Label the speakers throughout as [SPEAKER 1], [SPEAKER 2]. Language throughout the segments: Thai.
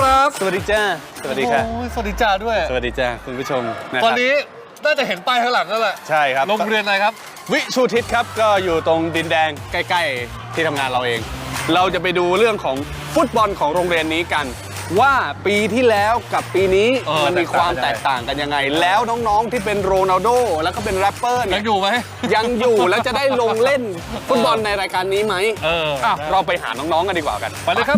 [SPEAKER 1] ครับ
[SPEAKER 2] สวัสดีจ้าสวัสดีครับ
[SPEAKER 1] สวัสดีจ้าด้วย
[SPEAKER 2] สวัสดีจ้าคุณผู้ชมนะครับ
[SPEAKER 1] ตอนนี้น่าจะเห็นป้ายข้างหลังแล้วแหละ
[SPEAKER 2] ใช่ครับ
[SPEAKER 1] โรงเรียนอะไรครับ
[SPEAKER 2] วิชูทิศครับก็อยู่ตรงดินแดงใกล้ๆที่ทำงานเราเองเราจะไปดูเรื่องของฟุตบอลของโรงเรียนนี้กันว่าปีที่แล้วกับปีนี้มันมีความแตกต่างกันยังไงแล้วน้องๆที่เป็นโรนัลโดแล้วก็เป็นแรปเปอร์เนี่ย
[SPEAKER 1] ยังอยู่ไหม
[SPEAKER 2] ยังอยู่แล้วจะได้ลงเล่นฟุตบอลในรายการนี้ไหมเราไปหาน้องๆกันดีกว่ากัน
[SPEAKER 1] ไปเลยครับ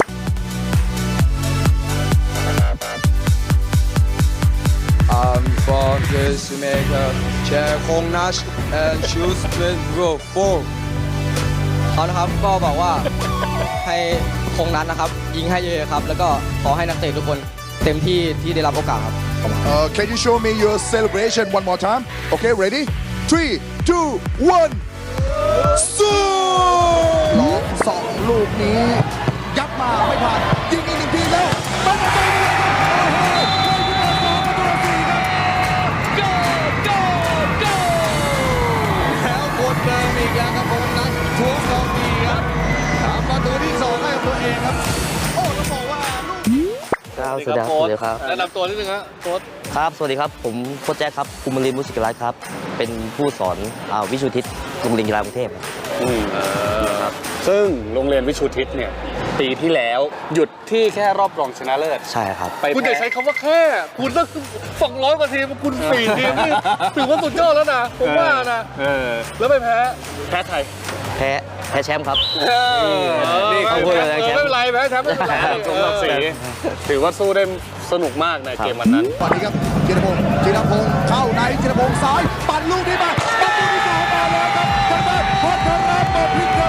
[SPEAKER 3] I'm from Jamaica, Chair Kong Nash and choose 24เขานะครับก็บอกว่าให้คงนั้นนะครับยิงให้เยอะครับแล้วก็ขอให้นักเตะทุกคนเต็มที่ที่ได้รับโอกาสครับ
[SPEAKER 4] Can you show me your celebration one more time? Okay, ready? 3, 2, 1. สู้ลองสองลูกนี้ยัดมาไม่ผ่านยิงอีกหนึ่งทีแล้วเป็นประตู
[SPEAKER 3] แล้วคนเดิมอีกแล้วครับคงนั้นทวงสองทีครับทำประตูที่สองให้กับตัวเองครับโอ้ต้องบอกว่าลูก
[SPEAKER 5] สวัสดีครับสวัสดีครับ
[SPEAKER 1] แนะนำตัวนิดนึงครับโค้ช
[SPEAKER 5] ครับสวัสดีครับผมโค้ชแจ๊คครับกุมรินทร์มุสิกรัตน์ครับเป็นผู้สอนวิชูทิศโรงเรียนกีฬากรุงเทพ
[SPEAKER 2] ครับซึ่งโรงเรียนวิชูทิศเนี่ยปีที่แล้วหยุดที่แค่รอบรองชนะเลิศ
[SPEAKER 5] ใช่ครับ
[SPEAKER 1] คุณอย่าใช้คำว่าแค่คุณต้อง200 กว่าทีมคุณ4 ทีมนี่ถือว่าสุดยอดแล้วนะผมว่านะแล้วไปแพ้ใคร
[SPEAKER 5] แพ้แชมป์ครับ
[SPEAKER 1] นี่เขาพูดอะไรไม่เป็นไรแพ้แชมป์ไม่เป็นไร
[SPEAKER 2] สมศักดิ์ศรีถือว่าสู้ได้สนุกมากในเกมวันนั้น
[SPEAKER 4] ตอนนี้ครับจิรพงษ์เข้าในจิรพงษ์ซ้ายปั่นลูกนี้มาประตูที่สองมาแล้วครับทางด้านพัทรปพิครับ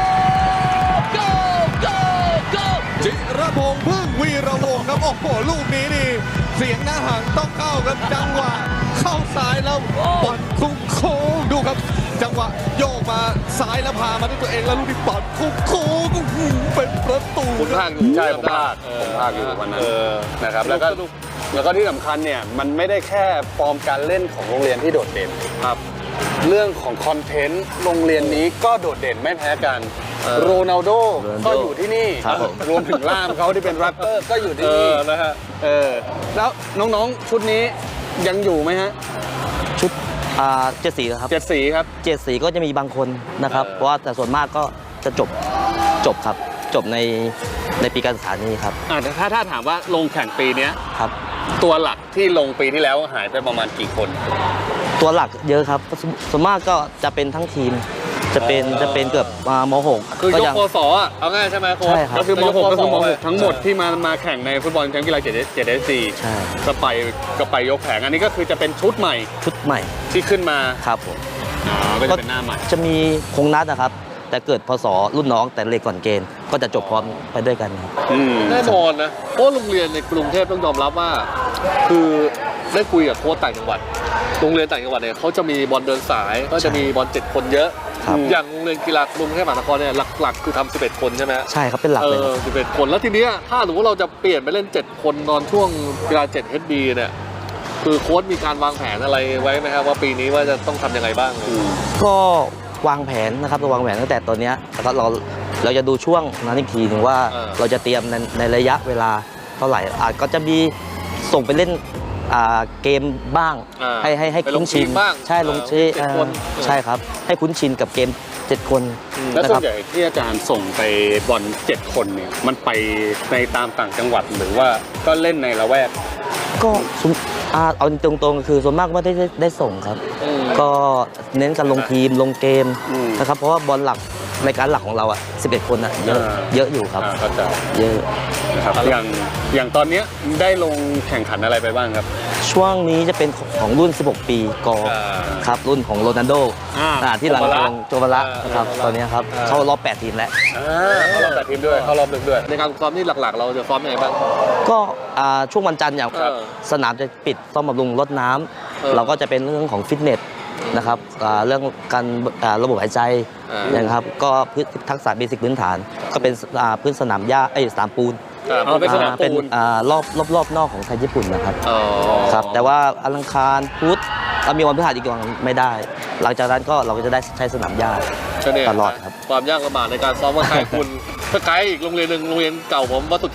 [SPEAKER 3] จิรพงษ์พึ่งวีรวงศ์ครับโอ้โหลูกนี้นี่เสียงหน้าห่างต้องเข้าครับจังหวะเข้าซ้ายแล้วบอลคุ้งโค้งดูครับจังหวะโยกมาซ้ายแล้วพามาด้วยตัวเองแล้วลูกนี้บอลคุ้งโค้งเป็นประตู
[SPEAKER 2] ผมพลาดอยู่ใช่ผมพลาดอยู่วันนั้นนะครับแล้วก็ที่สำคัญเนี่ยมันไม่ได้แค่ฟอร์มการเล่นของโรงเรียนที่โดดเด่นครับเรื่องของคอนเทนต์โรงเรียนนี้ก็โดดเด่นไม่แพ้กันโรนัลโดก็อยู่ที่นี่รวมถึงล่ามเขาที่เป็นแรปเปอร์ก็อยู่ที่นี่
[SPEAKER 1] นะฮะ
[SPEAKER 2] แล้วน้องๆชุดนี้ยังอยู่ไหมฮะ
[SPEAKER 5] ชุดเจ็ดสีครับ
[SPEAKER 2] เจ็ดสีครับ
[SPEAKER 5] เจ็ดสีก็จะมีบางคนนะครับเพราะว่าแต่ส่วนมากก็จะจบครับจบในปีการศึกษานี้ครับ
[SPEAKER 2] ถ้าถามว่าลงแข่งปีนี้
[SPEAKER 5] ครับ
[SPEAKER 2] ตัวหลักที่ลงปีที่แล้วหายไปประมาณกี่คน
[SPEAKER 5] ตัวหลักเยอะครับส่วนมากก็จะเป็นทั้งทีมจะเป็นเกือบม.6
[SPEAKER 1] คือยกปศอ่ะเอาง่ายใช่ไหมโค้ช
[SPEAKER 2] ก็คือม.6 ก็คือม.6 ทั้งหมดที่มาแข่งในฟุตบอลแชมป์กีฬา7
[SPEAKER 5] ใช่
[SPEAKER 2] ก็ไปยกแผงอันนี้ก็คือจะเป็นชุดใหม่ที่ขึ้นมา
[SPEAKER 5] ครับผม
[SPEAKER 2] ก็จะเป็นหน้าใหม่
[SPEAKER 5] จะมีคงนัดนะครับแต่เกิดพศรุ่นน้องแต่เล็กก่อนเกณฑ์ก็จะจบพร้อมไปด้วยกันครับ
[SPEAKER 1] แน่นอนนะเพราะโรงเรียนในกรุงเทพต้องยอมรับว่าคือได้คุยกับโค้ชต่างจังหวัดโรงเรียนต่างจังหวัดเนี่ยเขาจะมีบอลเดินสายก็จะมีบอล7 คนเยอะอย่างโรงเรียนกีฬากรุงเทพมหานครเนี่ยหลักๆคือทำ11 คนใช่ไหม
[SPEAKER 5] ใช่ครับเป็นหลักเลย
[SPEAKER 1] 11 คนแล้วทีนี้ถ้าสมมติเราจะเปลี่ยนไปเล่น7 คนตอนช่วงกีฬา7 HB เนี่ยคือโค้ชมีการวางแผนอะไรไว้ไหมครับว่าปีนี้ว่าจะต้องทำยังไงบ้าง
[SPEAKER 5] ก็วางแผนนะครับเราวางแผนตั้งแต่ตอนนี้แล้วก็เราจะดูช่วงนั้นอีกทีหนึ่งว่าเราจะเตรียมในระยะเวลาเท่าไหร่ก็จะมีส่งไปเล่นเกมบ้างให้คุ้นชินใช่ลงชินใช่ครับให้คุ้นชินกับเกม7 คน
[SPEAKER 2] แล้วส่วนใหญ่ที่อาจารย์ส่งไปบอล7 คนเนี่ยมันไปในตามต่างจังหวัดหรือว่าก็เล่นในละแวก
[SPEAKER 5] ก็เอาตรงๆคือส่วนมากไม่ได้ส่งครับก็เน้นการลงทีมลงเกมนะครับเพราะว่าบอลหลักในการหลักของเรา11 คนเยอะอยู่ครับเยอะ
[SPEAKER 2] นะครับอย่างตอนนี้ได้ลงแข่งขันอะไรไปบ้างครับ
[SPEAKER 5] ช่วงนี้จะเป็นของรุ่น16 ปีกครับรุ่นของโรนัลโดที่หลังลงโจวาระนะครับตอนนี้ครับเข้ารอบ8 ทีมแล้ว
[SPEAKER 2] เข้ารอบ8 ทีมด้วยเข้ารอบ1ด้วย
[SPEAKER 1] ในการซ้อมนี่หลักๆเราจะซ้อมยังไงบ้าง
[SPEAKER 5] ก็ช่วงวันจันทร์อย่างสนามจะปิดซ่อมบำรุงรดน้ำเราก็จะเป็นเรื่องของฟิตเนสนะครับเรื่องการระบบหายใจนะครับก็ทักษะเบสิกพื้นฐานก็เป็นพื้นสนามหญ้าสนามปูน
[SPEAKER 1] เป็นสนามปูน
[SPEAKER 5] รอบนอกของไทยญี่ปุ่นนะครับครับแต่ว่าอังคารพุธเรามีวันพฤหัสอีกวันไม่ได้หลังจากนั้นก็เราก็จะได้ใช้สนามหญ้าตลอดครับ
[SPEAKER 1] ความยากลำบากในการซ้อมว่าใครคุณถ้าไกลอีกโรงเรียนหนึ่งโรงเรียนเก่าผมวัดสุทธิ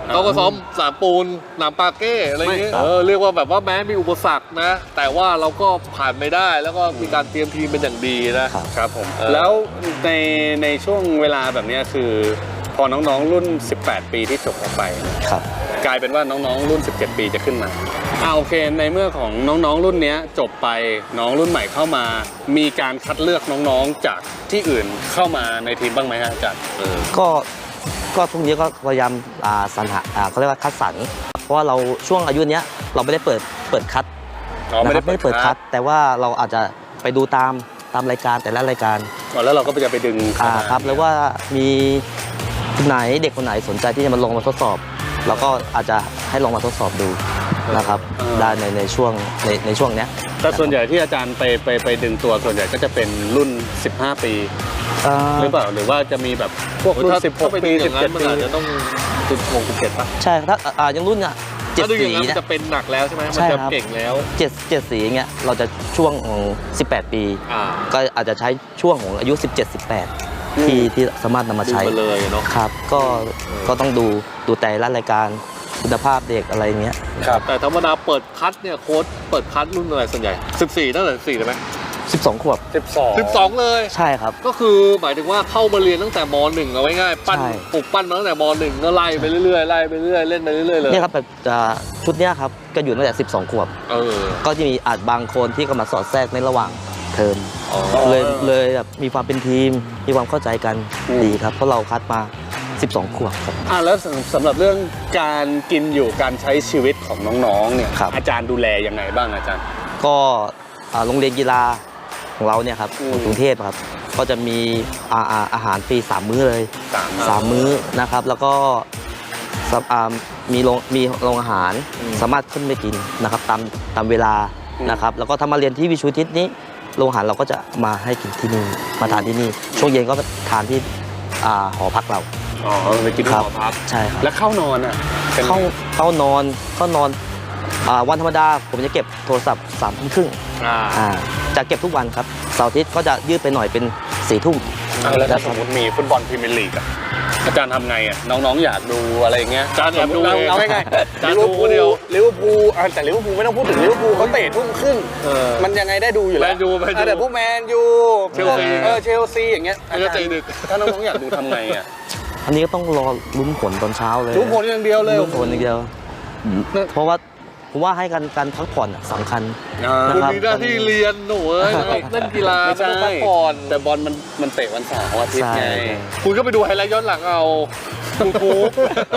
[SPEAKER 1] เขาก็ซ้อมสนามปูนสนามปาเก้อะไรอย่างเงี้ย เรียกว่าแบบว่าแม้มีอุปสรรคนะ แต่ว่าเราก็ผ่านไม่ได้แล้วก็มีการเตรียมทีมเป็นอย่างดีนะครับ
[SPEAKER 2] ผมแล้วในช่วงเวลาแบบนี้คือพอน้องๆรุ่น 18 ปีที่จบออกไป
[SPEAKER 5] ครับ
[SPEAKER 2] กลายเป็นว่าน้องๆรุ่น 17 ปีจะขึ้นมาโอเคในเมื่อของน้องๆรุ่นนี้จบไปน้องรุ่นใหม่เข้ามา มีการคัดเลือกน้องๆจากที่อื่นเข้ามาในทีมบ้างไหมฮะอาจารย์
[SPEAKER 5] ก็พวกนี้ก็พยายามสรรหาเขาเรียกว่าคัดสรรเพราะว่าเราช่วงอายุเนี้ยเราไม่ได้เปิดคัด
[SPEAKER 2] ไม่ได้
[SPEAKER 5] นะครับไม่ได้เปิดคัด แต่ว่าเราอาจจะไปดูตามรายการแต่ละรายการ
[SPEAKER 2] แล้วเราก็จะไปดึงเข้ามา
[SPEAKER 5] ครับแล้วว่ามีคนไหนเด็กคนไหนสนใจที่จะมาลงมาทดสอบเราก็อาจจะให้ลองมาทดสอบดูนะครับได้ในช่วงเนี้ย
[SPEAKER 2] แต่ส่วนใหญ่ที่อาจารย์ไปดึงตัวส่วนใหญ่ก็จะเป็นรุ่น 15 ปีหรือเปล่าหรือว่าจะมีแบบพวกรุ่น 16 ปี
[SPEAKER 1] 17
[SPEAKER 2] 17
[SPEAKER 1] ปี
[SPEAKER 2] ปี
[SPEAKER 1] อาจจะต้อง17ป่ะ
[SPEAKER 5] ใช่ถ้ายังรุ่นอ่ะเจ็ด
[SPEAKER 1] ถ้าดูอ
[SPEAKER 5] สี
[SPEAKER 1] ย่างนั้น
[SPEAKER 5] เนี่ย
[SPEAKER 1] จะเป็นหนักแล้วใช่ไหมมัน
[SPEAKER 5] ใช่
[SPEAKER 1] จะ
[SPEAKER 5] ครับ
[SPEAKER 1] เก่งแล้ว
[SPEAKER 5] เจ็ดสีอย่างเงี้ยเราจะช่วงของ18 ปี ก็อาจจะใช้ช่วงของอายุ 17-18 ที่สามารถนำมา
[SPEAKER 1] ดู
[SPEAKER 5] ใช้
[SPEAKER 1] ไปเลยเนาะ
[SPEAKER 5] ครับก็ต้องดูแต่ละรายการคุณภาพเด็กอะไรเงี้ย
[SPEAKER 1] แต่ธรรมดาเปิดคัดเนี่ยโค้ชเปิดคัดรุ่นอะไรส่วนใหญ่14ตั้งแต่14ได้ไหม
[SPEAKER 5] 12 ขวบ
[SPEAKER 1] 12เลย
[SPEAKER 5] ใช่ครับ
[SPEAKER 1] ก็คือหมายถึงว่าเข้ามาเรียนตั้งแต่ม .1 เอาไว้ง่ายปั้น
[SPEAKER 5] ใช่
[SPEAKER 1] ปลูกปั้นมาตั้งแต่ม .1 ก็ไล่ไปเรื่อยๆไล่ไปเรื่อยๆเล่นไปเรื่อยๆเลย
[SPEAKER 5] เนี่ยครับแบบชุดเนี้ยครับก็อยู่ตั้งแต่12 ขวบ ก็จะมีอาจบางคนที่ก็มาสอดแทรกในระหว่างเทอมเลยแบบมีความเป็นทีมมีความเข้าใจกันดีครับเพราะเราคัดมา 12 ขวบครับ
[SPEAKER 2] แล้วสำหรับเรื่องการกินอยู่การใช้ชีวิตของน้องๆเนี่ย
[SPEAKER 5] ครับ
[SPEAKER 2] อาจารย์ดูแลยังไงบ้างอาจารย์
[SPEAKER 5] ก็โรงเรียนกีฬาของเราเนี่ยครับของกรุงเทพครับก็จะมีอาหารฟรี3 มื้อเลย 3 มื้อนะครับแล้วก็มีโรงอาหารสามารถขึ้นไปกินนะครับตามเวลานะครับแล้วก็ถ้ามาเรียนที่วิชูทิศนี้โรงอาหารเราก็จะมาให้กินที่นี่มาทานที่นี่ช่วงเย็นก็ทานที่หอพักเรา
[SPEAKER 2] ไปกินที่หอพัก
[SPEAKER 5] ใช่ครับ
[SPEAKER 2] แล้วเข้านอนอ่ะเป็นไง
[SPEAKER 5] เข้านอนวันธรรมดาผมจะเก็บโทรศัพท์3 ทุ่มครึ่งจะเก็บทุกวันครับเสาร์อาทิตย์ก็จะยืดไปหน่อยเป็น4 ทุ่ม
[SPEAKER 2] แล้วถ้าสมมติมีฟุตบอลพรีเมียร์ลีกอ่ะอาจารย์ทำไงอ่ะน้องๆอยากดูอะไรอย่างเงี้ย
[SPEAKER 1] อาจารย์อยากดู
[SPEAKER 2] เอาง่าย
[SPEAKER 1] อาจารย์ดูคนเดียว
[SPEAKER 2] ลิเวอร์พูลแต่ลิเวอร์พูลไม่ต้องพูดถึงลิเวอร์พูลเขาเตะทุ่มครึ่งมันยังไงได้ดูอยู่แล้ว
[SPEAKER 1] แมนยู
[SPEAKER 2] แต่พวกแมนยู
[SPEAKER 1] เชลซี
[SPEAKER 2] เชลซีอย่างเงี้ย
[SPEAKER 1] ก็ใจดึก
[SPEAKER 2] ถ้าน้องๆอยากดูทำไงอ่ะ
[SPEAKER 5] อันนี้ก็ต้องรอลุ้นผลตอนเช้าเลย
[SPEAKER 2] ดูผลอย่างเดียวเลย
[SPEAKER 5] ลุ้นผลอย่างเดียวเพราะว่าผมว่าให้การพักผ่อนสำคัญ
[SPEAKER 1] คุณมีหน้าที่เรียนหนูเล่นกีฬา
[SPEAKER 2] ไม่ใช่
[SPEAKER 1] ต้องพักผ่อน
[SPEAKER 2] แต่บอลมันเตะวันเสาร์อาทิตย์ไง
[SPEAKER 5] ใช่
[SPEAKER 1] คุณก็ไปดูไฮไลท์ย้อนหลังเอายูทูบ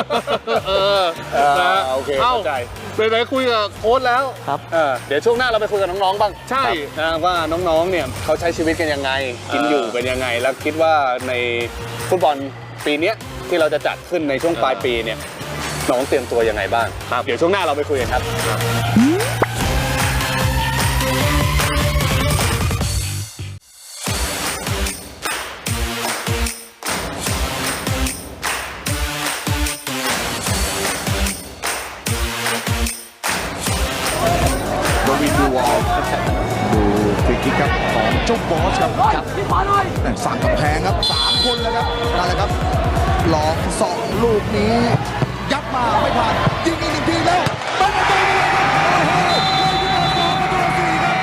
[SPEAKER 1] นะ
[SPEAKER 2] โอเค
[SPEAKER 1] เอ้า
[SPEAKER 2] เข้าใจ
[SPEAKER 1] ไหนๆคุยกับโค้ชแล้ว
[SPEAKER 5] ครับ
[SPEAKER 2] เดี๋ยวช่วงหน้าเราไปคุยกับน้องๆบ้าง
[SPEAKER 1] ใช่
[SPEAKER 2] นะว่าน้องๆเนี่ยเขาใช้ชีวิตกันยังไง กินอยู่เป็นยังไง แล้วคิดว่าในฟุตบอลปีเนี้ยที่เราจะจัดขึ้นในช่วงปลายปีเนี่ยน้องเตรียมตัวยังไงบ้างเดี๋ยวช่วงหน้าเราไปคุยกันครับ
[SPEAKER 4] โดวินดูวอลดูฟรีคิกครับของเจ้าบอสครับสั่งกำแพงครับ3 คนแล้วครับนั่นแหละครับลอง2 ลูกนี้ยัดมาไม่ผ่านยิงอีก1 ทีแล้วเป็นประตูเลยครับโอ้โหเลยขึ้นมา2 ประตูต่อ 4ครับ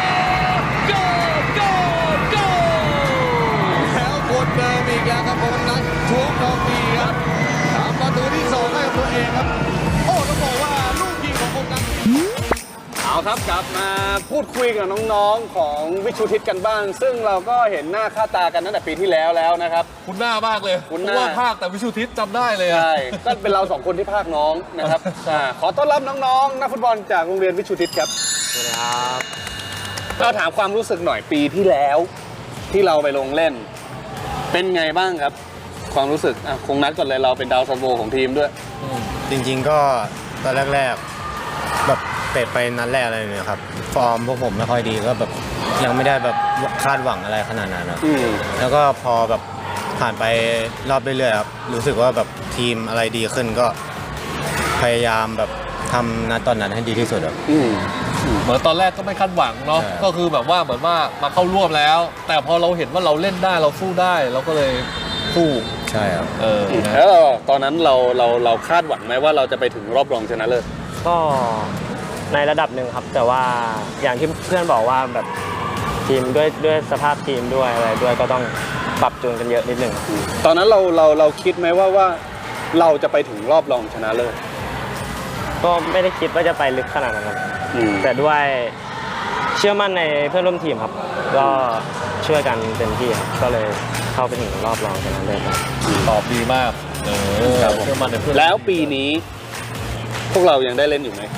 [SPEAKER 3] แล้วคนเดิมอีกแล้วครับผมนัทท้วงทองดีครับทำประตูที่2ให้กับตัวเองครับโอ้ต้องบอกว่าลูกยิงของผมนั้น
[SPEAKER 2] เอาครับกลับมาพูดคุยกับน้องๆของวิชูทิศกันบ้าง ซึ่งเราก็เห็นหน้าค่าตากันตั้งแต่ปีที่แล้วนะครับ
[SPEAKER 1] คุณหน้ามากเลย
[SPEAKER 2] คุ้นห
[SPEAKER 1] เพ
[SPEAKER 2] น้า
[SPEAKER 1] ราะว่าภาคแต่วิชุทิศจำได้เลยอะ
[SPEAKER 2] ใช่ก็เป็นเรา2 คนที่ภาคน้องนะครับขอต้อนรับน้องๆนักฟุตบอลจากโรงเรียนวิชูทิศครับ
[SPEAKER 5] สวัสดีครับ
[SPEAKER 2] เราถามความรู้สึกหน่อยปีที่แล้วที่เราไปลงเล่น เป็นไงบ้างครับ ความรู้สึกคงนัดก่อนเลยเราเป็นดาวซันโวของทีมด้วย
[SPEAKER 6] จริงๆก็ตอนแรกๆแบบเตะไปนัดแรกอะไรเนี่ยครับฟอร์มพวกผมไม่ค่อยดีก็แบบยังไม่ได้แบบคาดหวังอะไรขนาดนั้นครับแล้วก็พอแบบผ่านไปรอบเรื่อยๆครับรู้สึกว่าแบบทีมอะไรดีขึ้นก็พยายามแบบทำนัดตอนนั้นให้ดีที่สุดครับ
[SPEAKER 1] เหมือนตอนแรกก็ไม่คาดหวังเนาะ
[SPEAKER 6] ใช่
[SPEAKER 1] ก็คือแบบว่าเหมือนว่ามาเข้าร่วมแล้ว แต่พอเราเห็นว่าเราเล่นได้เราสู้ได้เราก็เลยสู้
[SPEAKER 6] ใช่ช่ครับ
[SPEAKER 2] แล้วตอนนั้นเราคาดหวังไหมว่าเราจะไปถึงรอบรองชนะเลิศ
[SPEAKER 7] ก็ในระดับหนึ่งครับ แต่ว่าอย่างที่เพื่อนบอกว่าแบบทีมด้วยสภาพทีมด้วยอะไรด้วยก็ต้องปรับจูนกันเยอะนิดหนึ่ง
[SPEAKER 2] ตอนนั้นเราคิดไหมว่าเราจะไปถึงรอบรองชนะเลิศ
[SPEAKER 7] ก็ไม่ได้คิดว่าจะไปลึกขนาดนั้นครับแต่ด้วยเชื่อมั่นในเพื่อนร่วมทีมครับ ก็ช่วยกันเต็มที่ครับก็เลยเข้าไปถึงรอบรองชนะเลิศครับ
[SPEAKER 1] ตอบดีมากเชื่อมั่นในเพื่อน
[SPEAKER 2] แล้วปีนี้พวกเรายังได้เล่นอยู่ไหม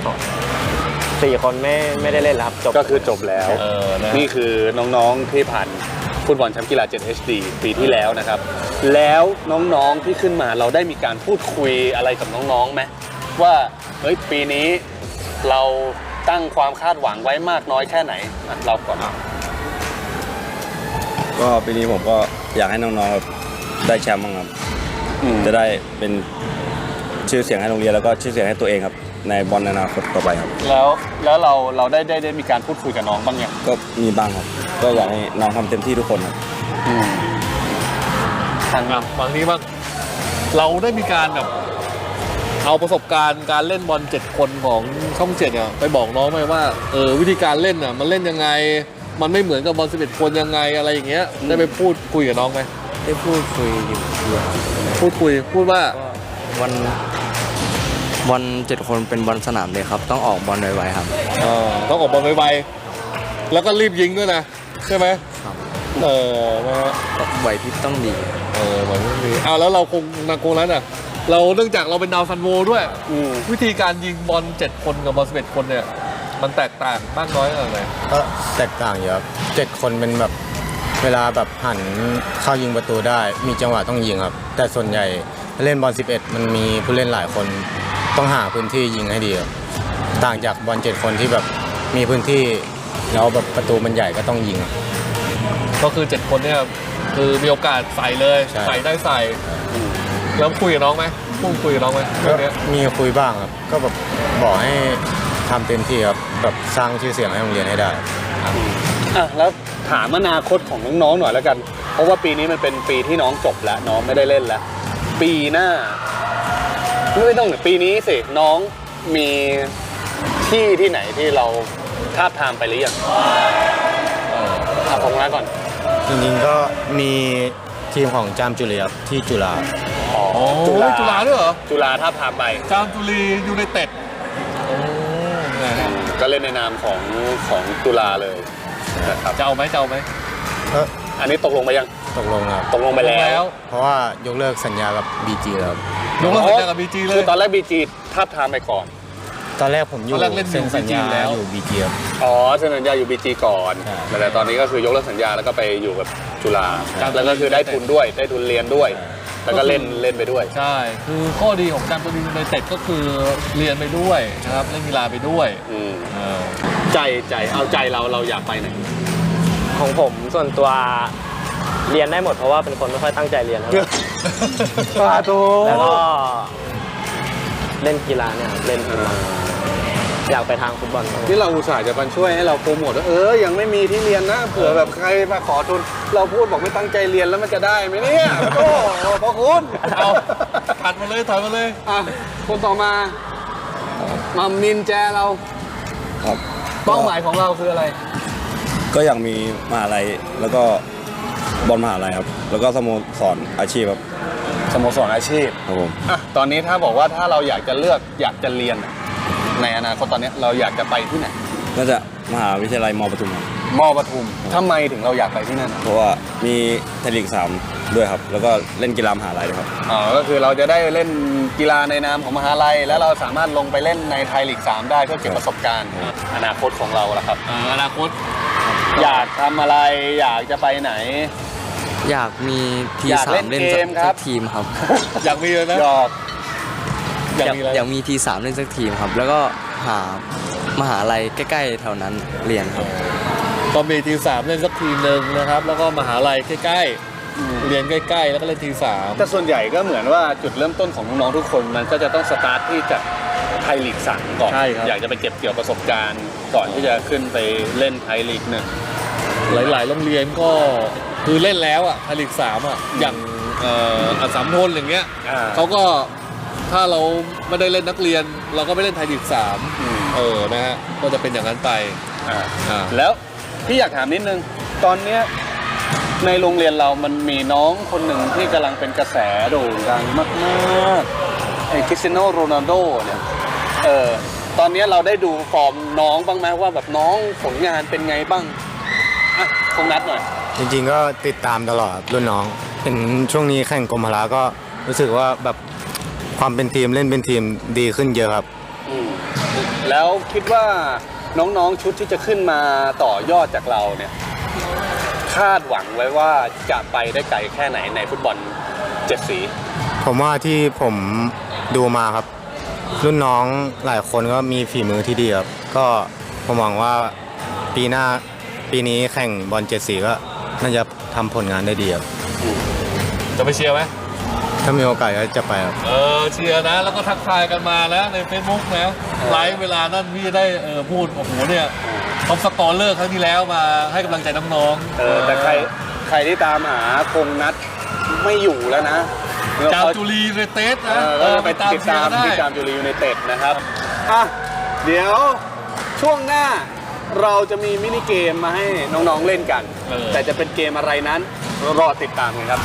[SPEAKER 7] 4 คนไม่ได้เล่นแล้วครับจบ
[SPEAKER 2] ก็คือจบแล้ว
[SPEAKER 1] นะ
[SPEAKER 2] นี่คือน้องๆที่ผ่านฟุตบอลแชมป์กีฬา 7HD ปีที่แล้วนะครับ แล้วน้องๆที่ขึ้นมาเราได้มีการพูดคุยอะไรกับน้องๆไหมว่าเฮ้ยปีนี้เราตั้งความคาดหวังไว้มากน้อยแค่ไหนเราก่อน
[SPEAKER 8] ก็ปีนี้ผมก็อยากให้น้องๆแบบได้แชมป์บ้างครับจะได้เป็นชื่อเสียงให้โรงเรียนแล้วก็ชื่อเสียงให้ตัวเองครับในบอลในอนาคตต่อไปครับ
[SPEAKER 2] แล้วเราได้มีการพูดคุยกับน้องบ้างยัง
[SPEAKER 8] ก็มีบ้างครับ ก็อยากให้น้องทำเต็มที่ทุกคนครับ
[SPEAKER 1] ทางฝั่งนี้บ้างเราได้มีการแบบเอาประสบการณ์การเล่นบอล7 คนของช่อง7เนี่ยไปบอกน้องไหมว่าวิธีการเล่นอ่ะมันเล่นยังไงมันไม่เหมือนกับบอล11 คนยังไงอะไรอย่างเงี้ยได้ไปพูดคุยกับน้องไหม
[SPEAKER 5] ได้พูดคุยอยู่
[SPEAKER 1] พูดว่า
[SPEAKER 5] บอล7 คนเป็นบอลสนามเลยครับต้องออกบอลไวๆครับ
[SPEAKER 1] ต้องออกบอลไวๆแล้วก็รีบยิงด้วยนะใช่ไหม
[SPEAKER 5] ครับ
[SPEAKER 1] นะฮะ
[SPEAKER 5] ไหวพริบต้องดี
[SPEAKER 1] เหมือนมีแล้วเราคงนั้นอ่ะเราเนื่องจากเราเป็นดาวซันโวด้วยวิธีการยิงบอล7 คนกับบอล11 คนเนี่ยมันแตกต่างมากน้อยขนาดไหน
[SPEAKER 6] ก็แตกต่างเยอะครับ7 คนเป็นแบบเวลาแบบหันเข้ายิงประตูได้มีจังหวะต้องยิงครับแต่ส่วนใหญ่เล่นบอล11มันมีผู้เล่นหลายคนต้องหาพื้นที่ยิงให้ดีครับต่างจากบอล7 คนที่แบบมีพื้นที่แล้วแบบประตูมันใหญ่ก็ต้องยิง
[SPEAKER 1] ก็คือ7 คนเนี่ยคือมีโอกาสใส่เลย
[SPEAKER 6] ใช่
[SPEAKER 1] ใส่ได้ใส่แล้วคุยกับน้องไหมพูดคุยกับน้องไหมเรื่องเนี้ย
[SPEAKER 6] มีคุยบ้างครับก็แบบบอกให้ทำเต็มที่ครับแบบสร้างชื่อเสียงให้โรงเรียนให้ได้
[SPEAKER 2] แล้วถามอนาคตของน้องๆหน่อยแล้วกัน เพราะว่าปีนี้มันเป็นปีที่น้องจบแล้วน้องไม่ได้เล่นแล้ว ปีหน้าไม่ต้องปีนี้สิน้องมีที่ไหนที่เราทาบทามไปหรือยังของน้าก่อน
[SPEAKER 6] จริงๆก็มีทีมของจามจุเลียครับที่จุฬา
[SPEAKER 1] จุฬาด้วยเหรอ
[SPEAKER 2] จุฬาทาบทามไป
[SPEAKER 1] จามจุรียูไนเต็ด
[SPEAKER 2] ก็เล่นในนามของจุฬาเลยนะครับ
[SPEAKER 1] จะเอาไหม
[SPEAKER 2] อันนี้ตกลงไปยัง
[SPEAKER 6] ตกลงครับ
[SPEAKER 2] ตกลงไปแล้ว
[SPEAKER 6] เพราะว่ายกเลิกสัญญากับ BG แล้วครับ
[SPEAKER 1] ยกเลิกสัญญากับ BG เลย
[SPEAKER 2] คือตอนแรก BG ทาบทามไปก่อน
[SPEAKER 6] ตอนแรกผมอยู่
[SPEAKER 1] ตอนแรกเล่นอยู่
[SPEAKER 6] เซ็นสัญญา
[SPEAKER 1] BG แล้ว
[SPEAKER 6] อยู่ BG ครับ
[SPEAKER 2] อ๋อเซ็นสัญญาอยู่ BG ก่อน
[SPEAKER 6] ใช่
[SPEAKER 2] แต่ตอนนี้ก็คือยกเลิกสัญญาแล้วก็ไปอยู่กับจุฬา
[SPEAKER 1] ครับ
[SPEAKER 2] แล้วก็คือได้ทุนด้วยได้ทุนเรียนด้วย แล้วก็เล่นไปด้วย
[SPEAKER 1] ใช่คือข้อดีของจามจุรียูไนเต็ดก็คือเรียนไปด้วยนะครับเล่นกีฬาไปด้วย
[SPEAKER 2] ใจเอาใจเราอยากไปไหน
[SPEAKER 7] ของผมส่วนตัวเรียนได้หมดเพราะว่าเป็นคนไม่ค่อยตั้งใจเรียนเท่าไหร่
[SPEAKER 2] ปาโต
[SPEAKER 7] แล้วก็เล่นกีฬาเนี่ยครับเล่นฟุตบอลอยากไปทางฟุตบอลครับ
[SPEAKER 2] ที่เราอุตส่าห์จะมาช่วยให้เราโปรโมทว่ายังไม่มีที่เรียนนะเผื่อแบบใครมาขอทุนเราพูดบอกไม่ตั้งใจเรียนแล้วมันจะได้ไหมเนี่ยโอ้พระคุณ
[SPEAKER 1] เอาถัดมาเลยถอยมาเลย
[SPEAKER 2] คนต่อมามัมนินแจเรา
[SPEAKER 8] ครับ
[SPEAKER 2] เป้าหมายของเราคืออะไร
[SPEAKER 8] ก็อยากมีมหาลัยแล้วก็บอลมหาลัยครับแล้วก็สโมสรอาชีพครับ
[SPEAKER 2] สโมสรอาชีพ
[SPEAKER 8] ครับผม
[SPEAKER 2] ตอนนี้ถ้าบอกว่าถ้าเราอยากจะเลือกอยากจะเรียนในอนาคตตอนนี้เราอยากจะไปที่ไหน
[SPEAKER 8] น่าจะมหาวิทยาลัยมปทุมครับ
[SPEAKER 2] มปทุมทำไมถึงเราอยากไปที่นั่น
[SPEAKER 8] เพราะว่ามีไทยลีก3ด้วยครับแล้วก็เล่นกีฬามหาลัยด้วยครับ
[SPEAKER 2] ก็คือเราจะได้เล่นกีฬาในนามของมหาลัยแล้วเราสามารถลงไปเล่นในไทยลีก 3 ได้เพื่อเก็บประสบการณ์ อนาคตของเราล่ะครับ
[SPEAKER 1] อนาคต
[SPEAKER 2] อยากทำอะไรอยากจะไปไหน
[SPEAKER 5] อยากมีที
[SPEAKER 2] อยาก
[SPEAKER 5] สา
[SPEAKER 2] เล่
[SPEAKER 5] ม
[SPEAKER 2] น
[SPEAKER 5] เล่น
[SPEAKER 2] เกมครับ
[SPEAKER 5] สักทีมครับ
[SPEAKER 1] อยากมีเลยนะ
[SPEAKER 2] หยอก
[SPEAKER 1] อยากมีอะไร
[SPEAKER 5] อยากมีที3เล่นสักทีมครับ แล้วก็หามหาลัยใกล้ๆแถวนั้นเรียนครับ
[SPEAKER 1] ก็มีทีสามเล่นสักทีหนึ่งนะครับ แล้วก็มหาลัยใกล้ๆเรียนใกล้ๆแล้วก็เล่นทีสาม
[SPEAKER 2] แต่ส่วนใหญ่ก็เหมือนว่าจุดเริ่มต้นของน้องๆทุกคนมันก็จะต้องสตาร์ทที่จากไทยลีก 3 ก่อน
[SPEAKER 1] ใช่ครับ
[SPEAKER 2] อยากจะไปเก็บเกี่ยวประสบการณ์ ก่อนที่จะขึ้นไปเล่นไทยลีก 1
[SPEAKER 1] หลายๆโรงเรียนก็คือเล่นแล้วอ่ะไทยลีก3อ่ะอย่างอัสสัมทนอย่างเงี้ยเขาก็ถ้าเราไม่ได้เล่นนักเรียน เราก็ไม่เล่นไทยลีก3นะฮะก็จะเป็นอย่างนั้นไป
[SPEAKER 2] แล้วพี่อยากถามนิดนึงตอนเนี้ยในโรงเรียนเรามันมีน้องคนหนึ่งที่กำลังเป็นกระแสโด่งดังมากๆไอ้คริสเตียโนโรนัลโดเนี่ยตอนนี้เราได้ดูฟอร์มน้องบ้างไหมว่าแบบน้องผลงานเป็นไงบ้างอ่ะคงนัดหน่อย
[SPEAKER 6] จริงๆก็ติดตามตลอดครับรุ่นน้องเห็นช่วงนี้แข่งกรมพละก็รู้สึกว่าแบบความเป็นทีมเล่นเป็นทีมดีขึ้นเยอะครับ
[SPEAKER 2] แล้วคิดว่าน้องๆชุดที่จะขึ้นมาต่อยอดจากเราเนี่ยคาดหวังไว้ว่าจะไปได้ไกลแค่ไหนในฟุตบอล7 สี
[SPEAKER 6] ผมว่าที่ผมดูมาครับ รุ่นน้องหลายคนก็มีฝีมือที่ดีครับก็ผมหวังว่าปีนี้แข่งบอล7 สีก็น่าจะทำผลงานได้ดีครับ
[SPEAKER 1] จะไปเชียร์ไหม
[SPEAKER 6] ถ้ามีโอกาสก็จะไปครับ
[SPEAKER 1] เชียร์นะแล้วก็ทักทายกันมาแล้วใน Facebook นะไลฟ์เวลานั้นพี่ได้พูดโอ้โหเนี่ยท็อปสกอร์เลอร์ครั้งที่แล้วมาให้กำลังใจน้องๆ
[SPEAKER 2] แต่ใครที่ตามหาคงนัดไม่อยู่แล้วนะ
[SPEAKER 1] จามจุรียูไนเต็ดนะ
[SPEAKER 2] ก็ไปติดตามที่จามจุรียูไนเต็ดนะครับอ่ะเดี๋ยวช่วงหน้าเราจะมีมินิเกมมาให้น้องๆเล่นกัน แต่จะเป็นเกมอะไรนั้นรอติดตามกันครับ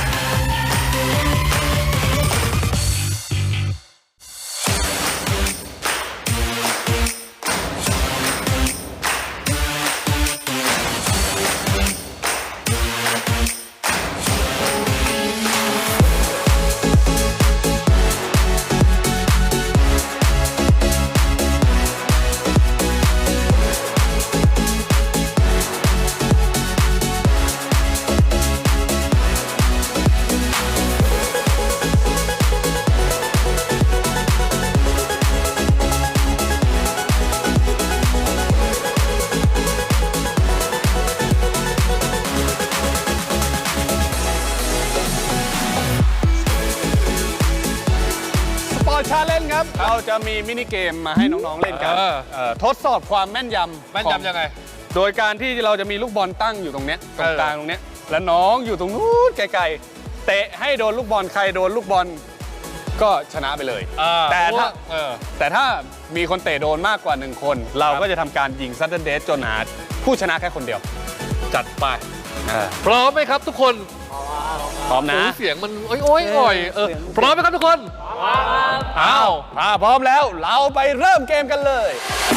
[SPEAKER 2] ชาเลนจ์ครับเราจะมีมินิเกมมาให้น้องๆเล่นกันทดสอบความแม่นยำ
[SPEAKER 1] แม่นยำยังไง
[SPEAKER 2] โดยการที่เราจะมีลูกบอลตั้งอยู่ตรงเนี้ยตรงกลางตรงเนี้ยแล้วน้องอยู่ตรงนู้นไกลๆเตะให้โดนลูกบอลใครโดนลูกบอลก็ชนะไปเลยแต่ถ้ามีคนเตะโดนมากกว่า1คนเราก็จะทำการยิงซัดเดิลเดสจนหาผู้ชนะแค่คนเดียว
[SPEAKER 1] จัดไปพร้อมไหมครับทุกคน
[SPEAKER 2] พร้อมนะ
[SPEAKER 1] เสียงมันโอ้ยอ่อยพร้อมไหมครับทุกคนอ้าว
[SPEAKER 2] พร้อมแล้วเราไปเริ่มเกมกันเลย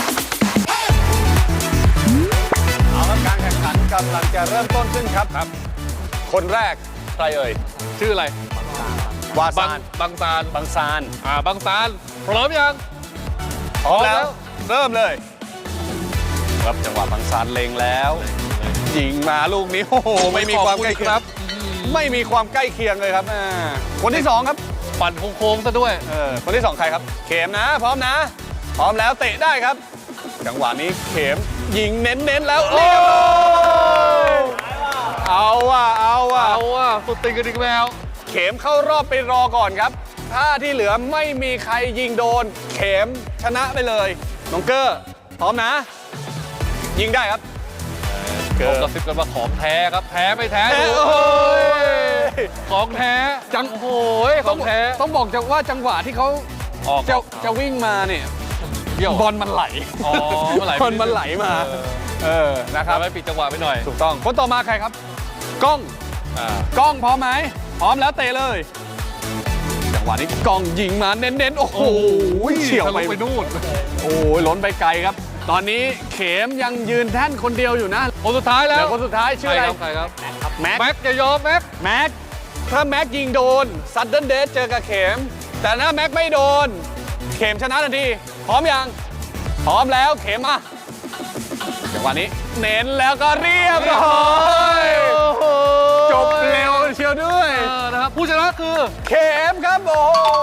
[SPEAKER 2] เอาละการแข่งขันกำลังจะเริ่มต้นขึ้นครับคนแรกใครเอ่ย
[SPEAKER 1] ชื่ออะไร
[SPEAKER 2] วาซาน
[SPEAKER 1] บางซาน
[SPEAKER 2] บางซาน
[SPEAKER 1] บางซานพร้อมยัง
[SPEAKER 2] พร้อมแล้วเริ่มเลยครับจังหวะบางซานเล็งแล้วยิงมาลูกนี้โอ้โหไม่มีความใกล้เคียงครับไม่มีความใกล้เคียงเลยครับคนที่2ครับ
[SPEAKER 1] ปั่นโค้งๆซะด้วย
[SPEAKER 2] คนที่2ใครครับเข็มนะพร้อมนะพร้อมแล้วเตะได้ครับจังหวะนี้เข็มยิงเน้นๆแล้วเรียบร้อยเอาว่ะ
[SPEAKER 1] สุดติงกระดิ่งแมว
[SPEAKER 2] เข็มเข้ารอบไปรอก่อนครับถ้าที่เหลือไม่มีใครยิงโดนเข็มชนะไปเลยน้องเกอร์พร้อมนะยิงได้ครับ
[SPEAKER 1] ผมกระซิบกันว่าของแท้ครับแท้ไม่แท้ดูของแท้โอ้โหของแท้
[SPEAKER 2] ต้องบอกว่าจังหวะที่เขาจะวิ่งมาเนี่ยบอลมันไหลบอลมันไหลมานะครับ
[SPEAKER 1] ไม่ปิดจังหวะไปหน่อย
[SPEAKER 2] ถูกต้องคนต่อมาใครครับกล้องพร้อมไหมพร้อมแล้วเตะเลยจังหวะนี้กล้องยิงมาเน้นๆโอ้โหเฉี่ยวไปนู่นโอ้ยล้นไปไกลครับตอนนี้เข็มยังยืนแท่นคนเดียวอยู่นะ
[SPEAKER 1] คนสุดท้ายแล้ว
[SPEAKER 2] คนสุดท้ายชื่ออะไร
[SPEAKER 1] ใครครับ
[SPEAKER 2] แม็ก
[SPEAKER 1] อย่ายอมแม็ก
[SPEAKER 2] ถ้าแม็กยิงโดนซัดเดิลเดสเจอกับเข็มแต่ถ้าแม็กไม่โดนเข็มชนะทันทีพร้อมยังพร้อมแล้วเข็มมาจังหวะนี้เน้นแล้วก็เรียบร้อยจบเร็วเชียวด้วย
[SPEAKER 1] นะครับผู้ชนะคือ
[SPEAKER 2] เข็มครับโอ้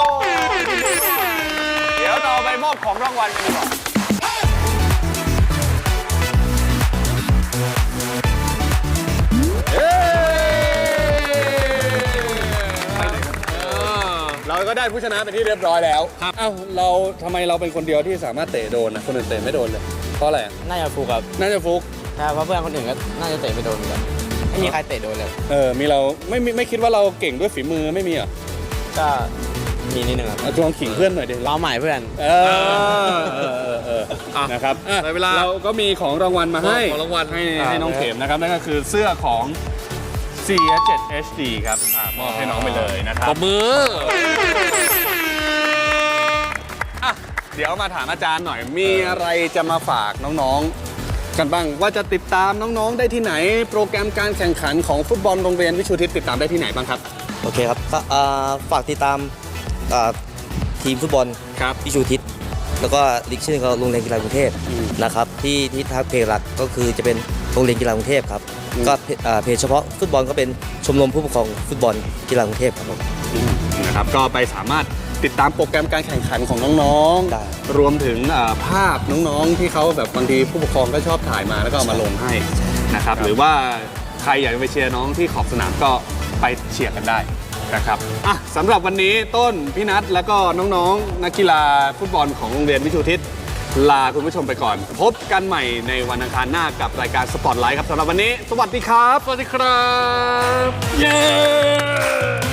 [SPEAKER 2] เดี๋ยวเราไปมอบของรางวัลกันดีกว่าเราก็ได้ผู้ชนะเป็นที่เรียบร้อยแล้วเอ้าทำไมเราเป็นคนเดียวที่สามารถเตะโดนนะคนอื่นเตะไม่โดนเลยเพราะอะไร
[SPEAKER 5] น่าจะฟุกครับ
[SPEAKER 2] น่าจะฟุก
[SPEAKER 5] ใช่เพราะเพื่อนคนอื่นก็น่าจะเตะไม่โดนเหมือนกัน
[SPEAKER 6] ไม่มีใครเตะโดนเลย
[SPEAKER 2] มีเราไม่คิดว่าเราเก่งด้วยฝีมือไม่มีเหรอ
[SPEAKER 6] ก็มีนิดนึงครับ
[SPEAKER 2] ลองขิงเพื่อนหน่อยดิ
[SPEAKER 6] ล้อใหม่เพื่อน
[SPEAKER 2] นะครับ
[SPEAKER 1] ได้เวลา
[SPEAKER 2] เราก็มีของรางวัลมาให้
[SPEAKER 1] ของรางวัล
[SPEAKER 2] ให้น้องเข็มนะครับนั่นก็คือเสื้อของ CS7 HD ครับมอบให้น้องไปเลยนะครั
[SPEAKER 1] ป
[SPEAKER 2] บ
[SPEAKER 1] รบมือ
[SPEAKER 2] เดี๋ยวมาถามอาจารย์หน่อย มีอะไรจะมาฝากน้องๆ กันบ้าง ว่าจะติดตามน้องๆ ได้ที่ไหน โปรแกรมการแข่งขันของฟุตบอลโรงเรียนวิชูทิศติดตามได้ที่ไหนบ้างครับ
[SPEAKER 5] โอเคครับก็ฝากติดตามทีมฟุตบอล
[SPEAKER 2] ครับ
[SPEAKER 5] พิชูทิศแล้วก็ลีกชื่อของโรงเรียนกีฬากรุงเทพนะครับที่ทางเพจหลักก็คือจะเป็นโรงเรียนกีฬากรุงเทพครับก็เพจเฉพาะฟุตบอลก็เป็นชมรมผู้ปกครองฟุตบอลกีฬากรุงเทพครับผม
[SPEAKER 2] นะครับก็ไปสามารถติดตามโปรแกรมการแข่งขันของน้อง
[SPEAKER 5] ได้
[SPEAKER 2] ๆ รวมถึงภาพน้องๆที่เขาแบบบางทีผู้ปกครองก็ชอบถ่ายมาแล้วก็เอามาลงให้นะครับหรือว่าใครอยากจะไปเชียร์น้องที่ขอบสนามก็ไปเชียร์กันได้นะครับสำหรับวันนี้ต้นพี่นัทแล้วก็น้องๆนักกีฬาฟุตบอลของโรงเรียนวิชูทิศลาคุณผู้ชมไปก่อน พบกันใหม่ในวันอังคารหน้ากับรายการสปอตไลท์ครับสำหรับวันนี้สวัสดีครับ
[SPEAKER 1] สวัสดีครับ เย้